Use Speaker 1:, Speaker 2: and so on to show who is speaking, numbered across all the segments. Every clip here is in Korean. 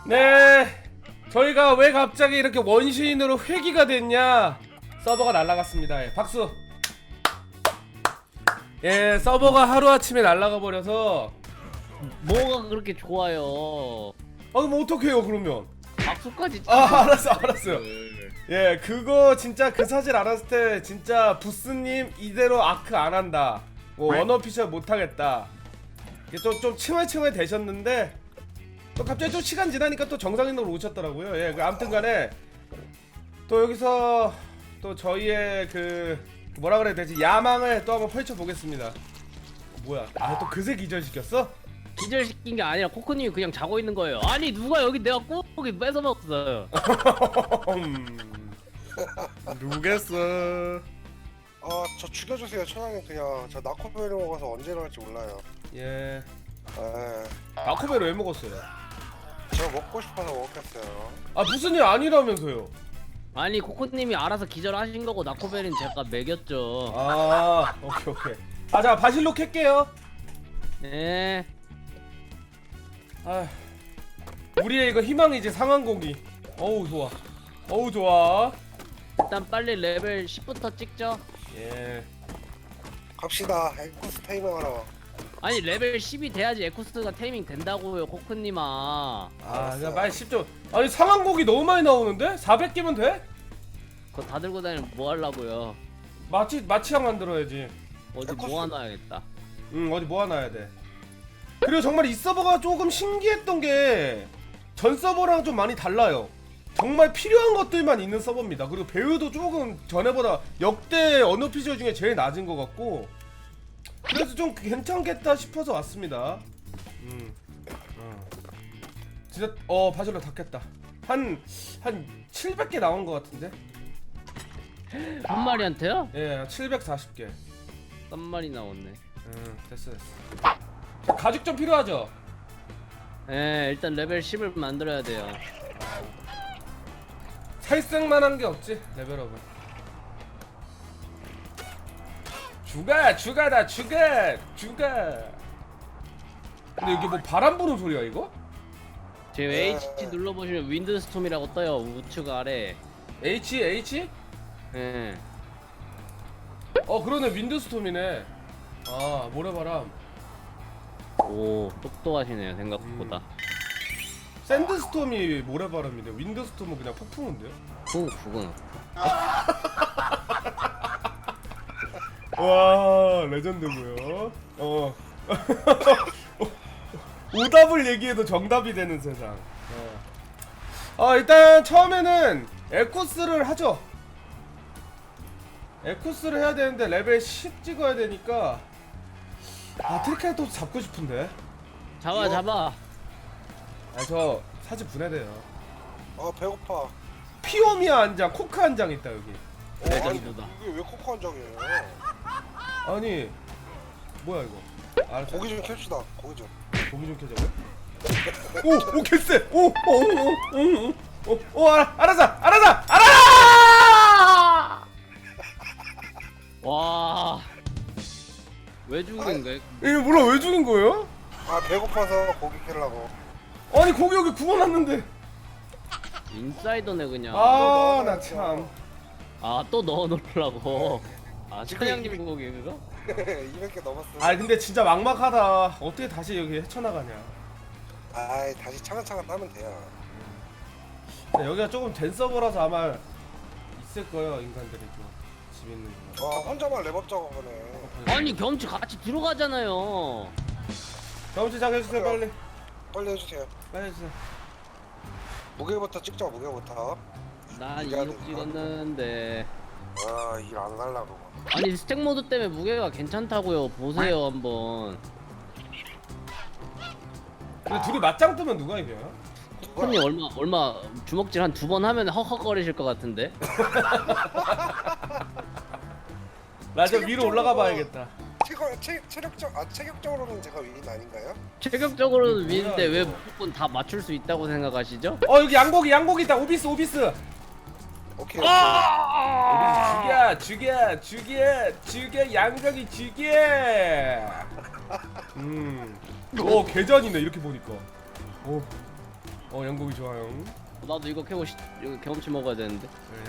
Speaker 1: 네, 저희가 왜 갑자기 이렇게 원시인으로 회귀가 됐냐? 서버가 날라갔습니다. 예, 박수. 예, 서버가 하루아침에 날라가 버려서.
Speaker 2: 뭐가 그렇게 좋아요?
Speaker 1: 아, 그럼 어떡해요 그러면?
Speaker 2: 박수까지
Speaker 1: 알았어요. 예, 그거 진짜 그 사실 알았을 때 진짜 부스님 이대로 아크 안 한다, 뭐 원어피셜 못 하겠다, 이게 좀 칭얼칭얼 되셨는데 또 갑자기 좀 시간 지나니까 또 정상인으로 오셨더라고요. 예, 그 아무튼간에 또 여기서 또 저희의 그 뭐라 그래야 되지, 야망을 또 한번 펼쳐 보겠습니다. 뭐야? 아, 또 그새 기절시켰어?
Speaker 2: 기절시킨 게 아니라 코코님이 그냥 자고 있는 거예요. 아니 누가 여기 내가 꼬꼬기 뺏어 먹었어요.
Speaker 1: 누구겠어?
Speaker 3: 저 죽여주세요, 천양님. 그냥 저 나코벨을 먹어서 언제 일어날지 몰라요.
Speaker 1: 예.
Speaker 3: 에,
Speaker 1: 아코베를 왜 먹었어요?
Speaker 3: 저 먹고 싶어서 먹겠어요.
Speaker 1: 아, 무슨 일 아니라면서요?
Speaker 2: 아니 코코님이 알아서 기절하신 거고 나코벨은 제가 먹였죠.
Speaker 1: 아, 오케이. 아, 자, 바실로 캘게요.
Speaker 2: 네.
Speaker 1: 아, 우리의 이거 희망이지, 상한고기. 어우, 좋아. 어우, 좋아.
Speaker 2: 일단 빨리 레벨 10부터 찍죠.
Speaker 1: 예.
Speaker 3: 갑시다. 에쿠스 테이밍 하러.
Speaker 2: 아니 레벨 10이 돼야지 에쿠스가 테이밍 된다고요 코코님아.
Speaker 1: 아, 그냥 빨리 10점. 아니, 상한고기 너무 많이 나오는데? 400개면 돼?
Speaker 2: 그거 다 들고 다니면 뭐 하려고요?
Speaker 1: 마취약 만들어야지.
Speaker 2: 어디 모아놔야겠다.
Speaker 1: 어디 모아놔야 돼. 그리고 정말 이 서버가 조금 신기했던 게 전 서버랑 좀 많이 달라요. 정말 필요한 것들만 있는 서버입니다. 그리고 배우도 조금 전에보다 역대 언어피셜 중에 제일 낮은 것 같고, 그래서 좀 괜찮겠다 싶어서 왔습니다. 진짜 바질로 닿겠다. 한 700개 나온 것 같은데?
Speaker 2: 한 마리한테요?
Speaker 1: 예, 740개.
Speaker 2: 한 마리 나왔네.
Speaker 1: 됐어. 자, 가죽 좀 필요하죠?
Speaker 2: 예, 일단 레벨 10을 만들어야 돼요.
Speaker 1: 살색만한 게 없지, 레벨업은. 죽어. 근데 여기 뭐 바람 부는 소리야 이거?
Speaker 2: 지금 H 눌러보시면 윈드스톰이라고 떠요. 우측 아래.
Speaker 1: H?
Speaker 2: 예.
Speaker 1: 그러네, 윈드스톰이네. 아, 모래바람.
Speaker 2: 오, 똑똑하시네요 생각보다.
Speaker 1: 샌드스톰이 모래바람인데 윈드스톰은 그냥 폭풍인데요?
Speaker 2: 그건.
Speaker 1: 와, 레전드고요. 오답을 얘기해도 정답이 되는 세상. 일단 처음에는 에쿠스를 하죠. 에쿠스를 해야 되는데 레벨 10 찍어야 되니까. 트리케라톱 잡고 싶은데.
Speaker 2: 잡아.
Speaker 1: 저 사실 분해돼요.
Speaker 3: 배고파.
Speaker 1: 피오미아 한 장, 코크 한 장 있다 여기.
Speaker 2: 레전드다.
Speaker 3: 이게 왜 코코 한 장이에요?
Speaker 1: 아니, 뭐야 이거? 알았어.
Speaker 3: 고기 좀 캡시다. 고기 좀.
Speaker 1: 고기 좀 켜자고요? 오, 개쎄! 알았어!
Speaker 2: 와. 왜 죽은 거야?
Speaker 1: 이거 몰라, 왜 죽인 거예요?
Speaker 3: 배고파서 고기 캐려고.
Speaker 1: 아니, 고기 여기 구워놨는데.
Speaker 2: 인사이더네 그냥.
Speaker 1: 나 참.
Speaker 2: 또 넣어놓으려고.
Speaker 3: 지금
Speaker 2: 천양님
Speaker 3: 이미-
Speaker 2: 고기 그거?
Speaker 3: 200개 넘었어.
Speaker 1: 근데 진짜 막막하다. 어떻게 다시 여기 헤쳐나가냐.
Speaker 3: 다시 차근차근 따면 돼요.
Speaker 1: 근데 여기가 조금 된 서버라서 아마 있을 거예요, 인간들이 좀. 집 있는 거.
Speaker 3: 혼자만 랩업 작업하네.
Speaker 2: 아니 겸치 같이 들어가잖아요.
Speaker 1: 경험치 작해주세요, 빨리.
Speaker 3: 빨리 해주세요.
Speaker 1: 빨리 해주세요.
Speaker 3: 무게부터 찍자, 무게부터.
Speaker 2: 난
Speaker 3: 이거
Speaker 2: 2억 찍었는데.
Speaker 3: 일 안 갈라고.
Speaker 2: 아니 스택 모드 때문에 무게가 괜찮다고요. 보세요 한번.
Speaker 1: 근데 둘이 맞짱 뜨면 누가 이겨요?
Speaker 2: 코코님 얼마 주먹질 한 2번 하면 헉헉거리실 것 같은데.
Speaker 1: 나 저 위로 올라가 봐야겠다.
Speaker 3: 체격적으로는 제가 위인 아닌가요?
Speaker 2: 체격적으로는 위인데 왜
Speaker 1: 이거.
Speaker 2: 무조건 다 맞출 수 있다고 생각하시죠?
Speaker 1: 여기 양고기 있다. 오비스.
Speaker 3: 오케이.
Speaker 1: 죽여 양고기 죽여. 계전이네 이렇게 보니까. 양고기 좋아요.
Speaker 2: 나도 이거 이거 경험치 먹어야 되는데.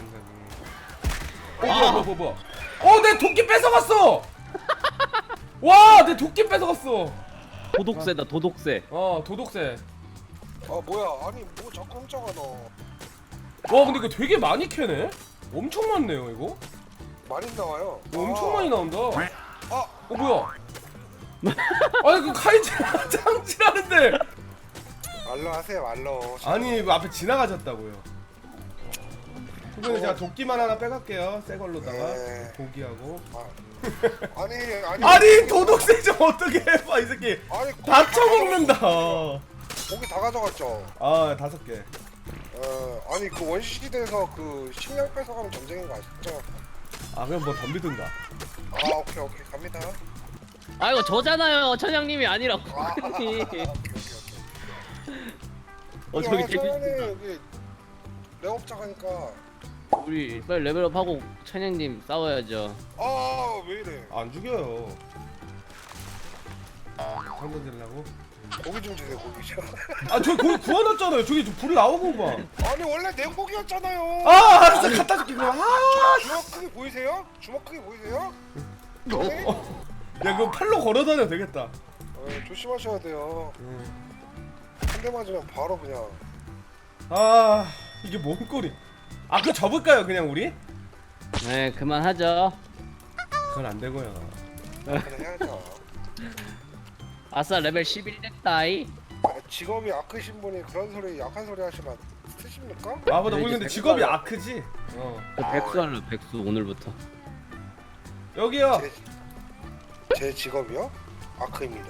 Speaker 1: 네, 양고기. 뭐야. 내 도끼 뺏어갔어. 와, 내 도끼 뺏어갔어.
Speaker 2: 도독새다 도독새.
Speaker 1: 도독새.
Speaker 3: 아 뭐야? 아니 뭐 자꾸 훔쳐가 너.
Speaker 1: 와, 근데 이거 되게 많이 캐네. 엄청 많네요, 이거.
Speaker 3: 많이 나와요.
Speaker 1: 엄청 많이 나온다.
Speaker 3: 아
Speaker 1: 뭐야? 아니 그 카이지 장치라는데.
Speaker 3: 말로 하세요 말로.
Speaker 1: 아니 그 앞에 지나가셨다고요. 그러면 제가 도끼만 하나 빼갈게요. 새 걸로다가
Speaker 3: 네.
Speaker 1: 고기하고.
Speaker 3: 아니
Speaker 1: 도둑새 좀 어떻게 해봐 이 새끼.
Speaker 3: 아니
Speaker 1: 다 쳐먹는다.
Speaker 3: 고기 다 가져갔죠.
Speaker 1: 5개.
Speaker 3: 아니 그 원시시대에서 그 식량 뺏어가면 전쟁인 거 아시죠?
Speaker 1: 그럼 뭐 덤비든가.
Speaker 3: 오케이 갑니다.
Speaker 2: 아 이거 저잖아요. 천양님이 아니라
Speaker 3: 아,
Speaker 2: 코코님.
Speaker 3: 오케이.
Speaker 2: 저기
Speaker 3: 저번에 여기 레업장 하니까
Speaker 2: 우리 빨리 레벨업하고 천양님 싸워야죠.
Speaker 3: 왜 이래?
Speaker 1: 안 죽여요. 한번 들라고?
Speaker 3: 고기 좀 주세요 고기 좀.
Speaker 1: 저 거기 구워놨잖아요. 저기 좀 불이 나오고 봐.
Speaker 3: 아니 원래 냉고기였잖아요.
Speaker 1: 알았어 갖다 줄게 그럼.
Speaker 3: 주먹 크기 보이세요? 주먹 크기 보이세요?
Speaker 1: 야 그거 팔로 걸어다녀도 되겠다.
Speaker 3: 조심하셔야 돼요. 한 대 맞으면 바로 그냥.
Speaker 1: 이게 뭔 꼴이? 그거 접을까요 그냥 우리?
Speaker 2: 네 그만하죠.
Speaker 1: 그건 안 되고요.
Speaker 3: 그냥 해야죠.
Speaker 2: 아싸 레벨 11 됐다이.
Speaker 3: 직업이 아크신 분이 그런 소리 약한 소리 하시면 쓰십니까?
Speaker 1: 맞아
Speaker 2: 네,
Speaker 1: 우리
Speaker 2: 이제
Speaker 1: 근데 직업이
Speaker 2: 백수
Speaker 1: 아크지?
Speaker 2: 저 백수 할래 백수 오늘부터.
Speaker 1: 여기요.
Speaker 3: 제 직업이요? 아크입니다.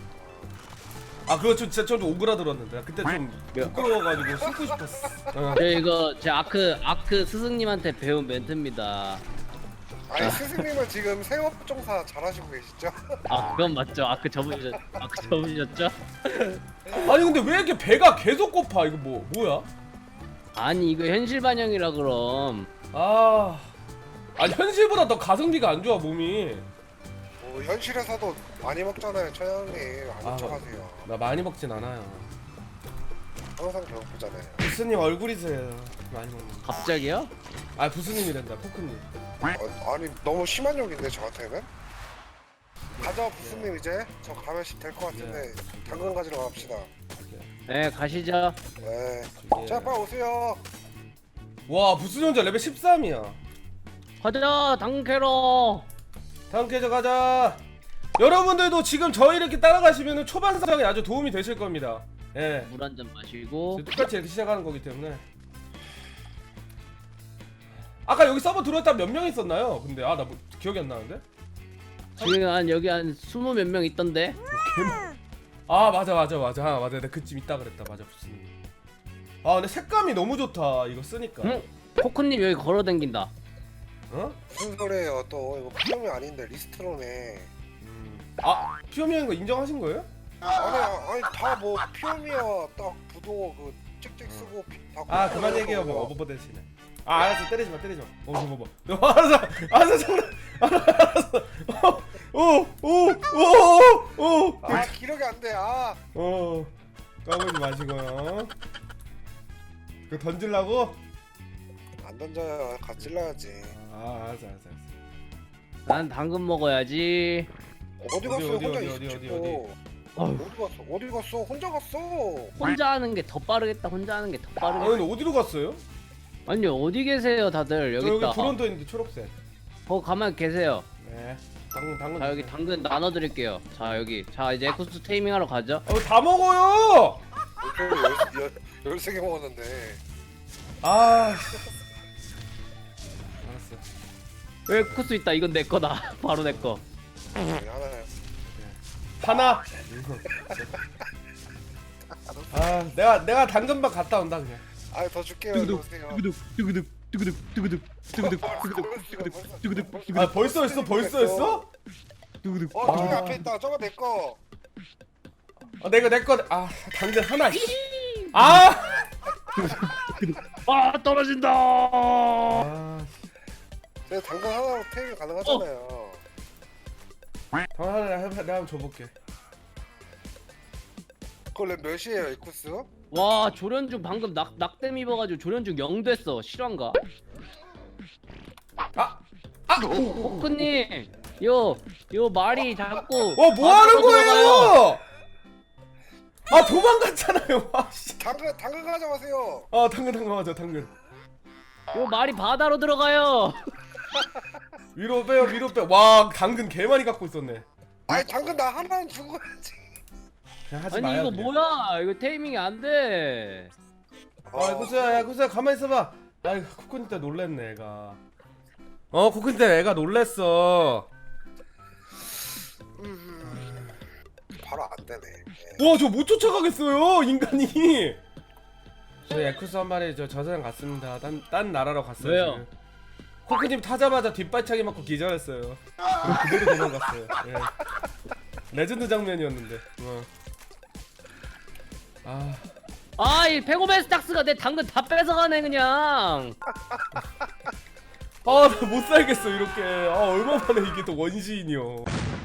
Speaker 1: 그거 진짜 좀 오그라들었는데 그때 좀 부끄러워가지고 숨고 싶었어.
Speaker 2: 이거 제 아크 스승님한테 배운 멘트입니다.
Speaker 3: 아니 스승님은 지금 생업종사 잘하시고 계시죠?
Speaker 2: 그건 맞죠. 아크 접으셨죠?
Speaker 1: 아니 근데 왜 이렇게 배가 계속 고파? 이거 뭐야?
Speaker 2: 아니 이거 현실 반영이라 그럼.
Speaker 1: 아니 현실보다 더 가성비가 안 좋아 몸이.
Speaker 3: 현실에서도 많이 먹잖아요 천양님. 안 쫓아가세요.
Speaker 1: 나 많이 먹진 않아요.
Speaker 3: 항상 배고프잖아요.
Speaker 1: 부스님 얼굴이세요. 많이 먹는 거.
Speaker 2: 갑자기요?
Speaker 1: 부스님이란다 포크님.
Speaker 3: 아니 너무 심한 욕인데 저한테는? 가자 부스님 이제 저 가면 될 것 같은데 당근 가지러 갑시다.
Speaker 2: 네 가시죠.
Speaker 3: 네. 자 빨리 오세요.
Speaker 1: 와 부스님 혼자 레벨 13이야.
Speaker 2: 가자 당캐로.
Speaker 1: 다음 계좌 가자. 여러분들도 지금 저희 이렇게 따라가시면 초반 사정에 아주 도움이 되실 겁니다. 예.
Speaker 2: 물 한 잔 마시고.
Speaker 1: 똑같이 이렇게 시작하는 거기 때문에. 아까 여기 서버 들어왔다 몇 명 있었나요? 근데 나 뭐 기억이 안 나는데?
Speaker 2: 지금 여기 한 20 몇 명 있던데.
Speaker 1: 맞아 내가 그쯤 있다 그랬다. 맞아 부스님. 근데 색감이 너무 좋다 이거 쓰니까.
Speaker 2: 응? 코코님 여기 걸어댕긴다.
Speaker 3: 무슨 소리예요 또. 이거 피험이 아닌데 리스트로네.
Speaker 1: 피오미인 거 인정하신 거예요?
Speaker 3: 아니 다 뭐 피험이야. 딱 부도 그 찍찍 쓰고 다
Speaker 1: 그만 얘기해요 뭐 어버버 대신에. 알았어 때리지 마. 봐봐. 알았어 장난. 알았어. 오.
Speaker 3: 기력이 안 돼.
Speaker 1: 까불지 마시고요. 그거 던질라고?
Speaker 3: 안 던져요. 같이 찔러야지.
Speaker 1: 알았어.
Speaker 2: 난 당근 먹어야지.
Speaker 3: 어디 갔어요?
Speaker 1: 어디?
Speaker 3: 혼자 있었고. 어디 갔어? 혼자 갔어.
Speaker 2: 혼자 하는 게 더 빠르겠다. 혼자 하는 게 더 빠르겠다.
Speaker 1: 근데 어디로 갔어요?
Speaker 2: 아니 어디 계세요 다들? 여기
Speaker 1: 여기
Speaker 2: 있다.
Speaker 1: 브론토 있는데 초록색.
Speaker 2: 가만 계세요.
Speaker 1: 네. 당근.
Speaker 2: 자 여기 당근 나눠드릴게요. 자 여기. 자 이제 에쿠스 테이밍하러 가죠.
Speaker 1: 다 먹어요.
Speaker 3: 13개 먹었는데.
Speaker 1: 알았어.
Speaker 2: 에쿠스 있다. 이건 내 거다. 바로 내 거.
Speaker 3: 하나요.
Speaker 1: 하나. 내가 당근밥 갔다 온다 그냥.
Speaker 3: 더 줄게요. 이리 오세요.
Speaker 1: 벌써 했어?
Speaker 3: 저기 앞에 있다. 저거 내 거.
Speaker 1: 내 거. 당근 하나.
Speaker 2: 떨어진다.
Speaker 3: 제가 당근 하나로 테이블 가능하잖아요.
Speaker 1: 내가 한번 줘볼게.
Speaker 3: 그걸 몇이에요, 에쿠스?
Speaker 2: 와 조련중 방금 낙댐 입어가지고 조련중 0 됐어. 실화인가? 코크님 요 말이 자꾸
Speaker 1: 뭐 하는
Speaker 2: 바다로 들어가요.
Speaker 1: 거예요? 아 도망갔잖아요. 와 씨.
Speaker 3: 당근 가져가세요.
Speaker 1: 아 당근 맞아 당근.
Speaker 2: 요 말이 바다로 들어가요.
Speaker 1: 위로 빼요 위로 빼. 와 당근 개 많이 갖고 있었네.
Speaker 3: 아니 당근 나 하나는 죽어야지.
Speaker 1: 그냥 하지
Speaker 2: 아니
Speaker 1: 마요.
Speaker 2: 이거
Speaker 1: 그냥.
Speaker 2: 뭐야? 이거 테이밍이 안 돼.
Speaker 1: 아 구수야 야 구수야 가만히 있어봐. 아 코코님 때 놀랬네 애가. 코코님 때 애가 놀랬어.
Speaker 3: 바로 안 되네.
Speaker 1: 와 저 못 쫓아가겠어요 인간이. 저 야쿠스 한 마리 저 세상 갔습니다. 딴 나라로 갔어요.
Speaker 2: 왜요?
Speaker 1: 지금. 코코님 타자마자 뒷발차기 맞고 기절했어요. 그리고 그대로 도망갔어요. 예. 레전드 장면이었는데.
Speaker 2: 아이 페고베스탁스가 내 당근 다 뺏어가네 그냥.
Speaker 1: 나 못 살겠어 이렇게. 얼마 만에 이게 또 원시인이요.